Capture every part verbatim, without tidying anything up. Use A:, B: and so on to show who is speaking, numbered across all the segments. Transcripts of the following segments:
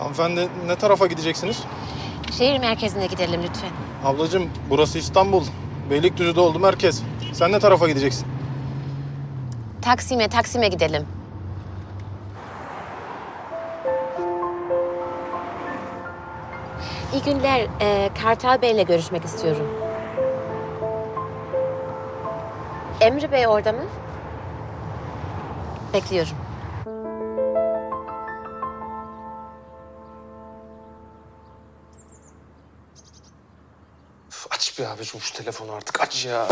A: Hanımefendi ne tarafa gideceksiniz?
B: Şehir merkezine gidelim lütfen.
A: Ablacığım burası İstanbul. Beylikdüzü'de oldu merkez. Sen ne tarafa gideceksin?
B: Taksim'e, Taksim'e gidelim. İyi günler. Ee, Kartal Bey'le görüşmek istiyorum. Emre Bey orada mı? Bekliyorum.
C: Üf, aç bir abicim şu telefonu artık aç ya.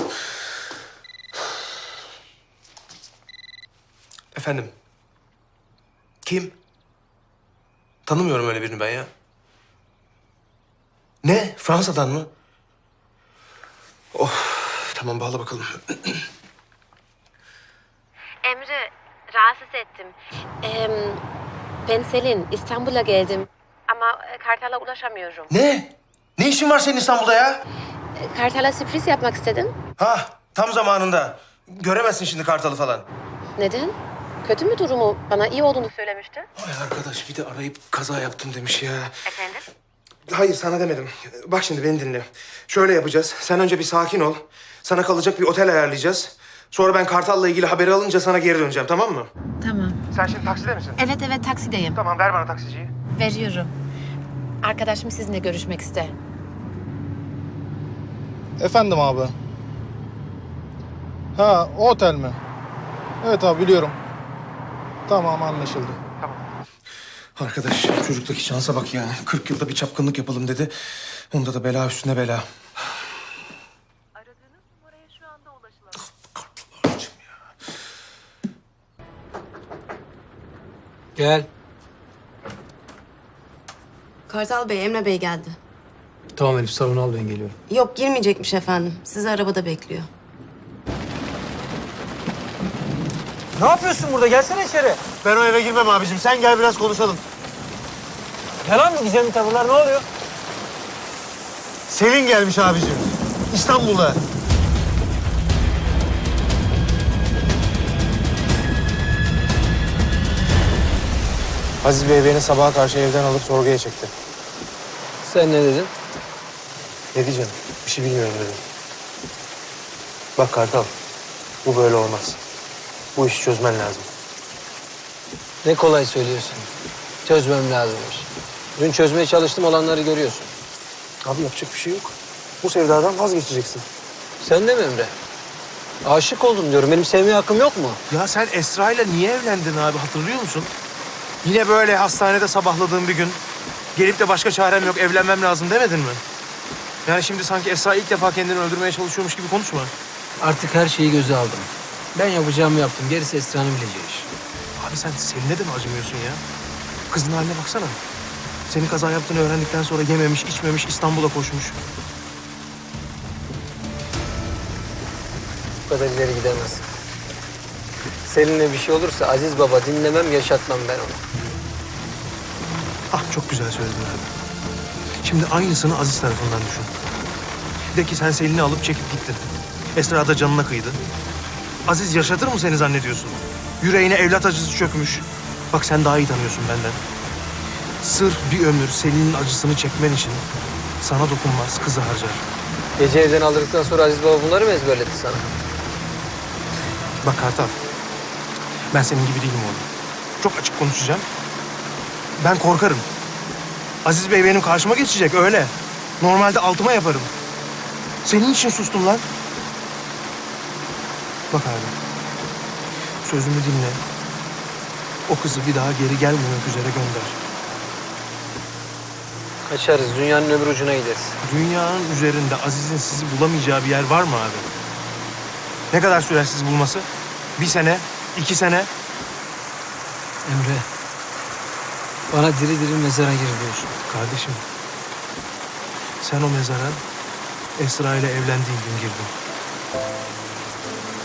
C: Efendim? Kim? Tanımıyorum öyle birini ben ya. Ne? Fransa'dan mı? Oh, tamam bağla bakalım.
B: Emre, rahatsız ettim. Ee, ben Selin, İstanbul'a geldim. Ama Kartal'a ulaşamıyorum.
C: Ne? Ne işin var senin İstanbul'da ya?
B: Kartal'a sürpriz yapmak istedim.
C: Ha, tam zamanında. Göremezsin şimdi Kartal'ı falan.
B: Neden? Kötü mü durumu? Bana iyi olduğunu söylemişti.
C: Ay arkadaş bir de arayıp kaza yaptım demiş ya.
B: Efendim?
C: Hayır sana demedim. Bak şimdi beni dinle. Şöyle yapacağız. Sen önce bir sakin ol. Sana kalacak bir otel ayarlayacağız. Sonra ben Kartal'la ilgili haberi alınca sana geri döneceğim, tamam mı?
B: Tamam.
C: Sen şimdi takside misin?
B: Evet evet taksideyim.
C: Tamam ver bana taksiciyi.
B: Veriyorum. Arkadaşım sizinle görüşmek ister.
A: Efendim abi. Ha o otel mi? Evet abi biliyorum. Tamam anlaşıldı.
C: Arkadaş çocuktaki şansa bak ya. kırk yılda bir çapkınlık yapalım dedi. Onda da bela üstüne bela.
D: Aradığınız numaraya şu anda ulaşılamıyor.
C: Kartal'cığım ya.
E: Gel.
F: Kartal Bey, Emre Bey geldi.
E: Tamam Elif salonu al ben geliyorum.
F: Yok girmeyecekmiş efendim. Sizi arabada bekliyor.
E: Ne yapıyorsun burada? Gelsene içeri.
G: Ben o eve girmem abicim. Sen gel biraz konuşalım.
E: Yalan mı gizemli tavırlar? Ne oluyor?
G: Selin gelmiş abicim. İstanbul'da. Aziz Bey beni sabaha karşı evden alıp sorguya çekti.
E: Sen ne dedin?
G: Ne diyeceğim? Bir şey bilmiyorum dedim. Bak Kartal, bu böyle olmaz. Bu işi çözmen lazım.
E: Ne kolay söylüyorsun. Çözmem lazımmış. Dün çözmeye çalıştım olanları görüyorsun.
G: Abi yapacak bir şey yok. Bu sevdadan vazgeçeceksin.
E: Sen de mi Emre? Aşık oldum diyorum. Benim sevmeye hakkım yok mu?
G: Ya sen Esra ile niye evlendin abi hatırlıyor musun? Yine böyle hastanede sabahladığın bir gün gelip de başka çarem yok evlenmem lazım demedin mi? Yani şimdi sanki Esra ilk defa kendini öldürmeye çalışıyormuş gibi konuşma.
E: Artık her şeyi göze aldım. Ben yapacağımı yaptım. Gerisi Esra'nın bileceği iş.
G: Abi sen Selin'e de mi acımıyorsun ya? Kızın haline baksana. Senin kaza yaptığını öğrendikten sonra yememiş, içmemiş, İstanbul'a koşmuş.
E: Bu kadar ileri gidemez. Selin'e bir şey olursa Aziz Baba dinlemem, yaşatmam ben onu.
G: Ah çok güzel söyledin abi. Şimdi aynısını Aziz tarafından düşün. De ki sen Selin'i alıp çekip gittin. Esra da canına kıydı. Aziz yaşatır mı seni zannediyorsun? Yüreğine evlat acısı çökmüş. Bak sen daha iyi tanıyorsun benden. Sırf bir ömür Selin'in acısını çekmen için sana dokunmaz, kızı harcar.
E: Gece evden aldıktan sonra Aziz Baba bunları mı ezberletti sana?
G: Bak Kartal, ben senin gibi değilim oğlum. Çok açık konuşacağım. Ben korkarım. Aziz Bey benim karşıma geçecek öyle. Normalde altıma yaparım. Senin için sustum lan. Bak abi, sözümü dinle. O kızı bir daha geri gelmemek üzere gönder.
E: Kaçarız. Dünyanın öbür ucuna gideriz.
G: Dünyanın üzerinde Aziz'in sizi bulamayacağı bir yer var mı abi? Ne kadar sürer sizi bulması? Bir sene, iki sene.
E: Emre, bana diri diri mezara gir diyorsun.
G: Kardeşim, sen o mezara Esra ile evlendiğin gün girdin.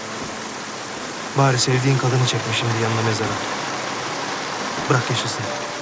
G: Bari sevdiğin kadını çekme şimdi yanına mezara. Bırak yaşasın.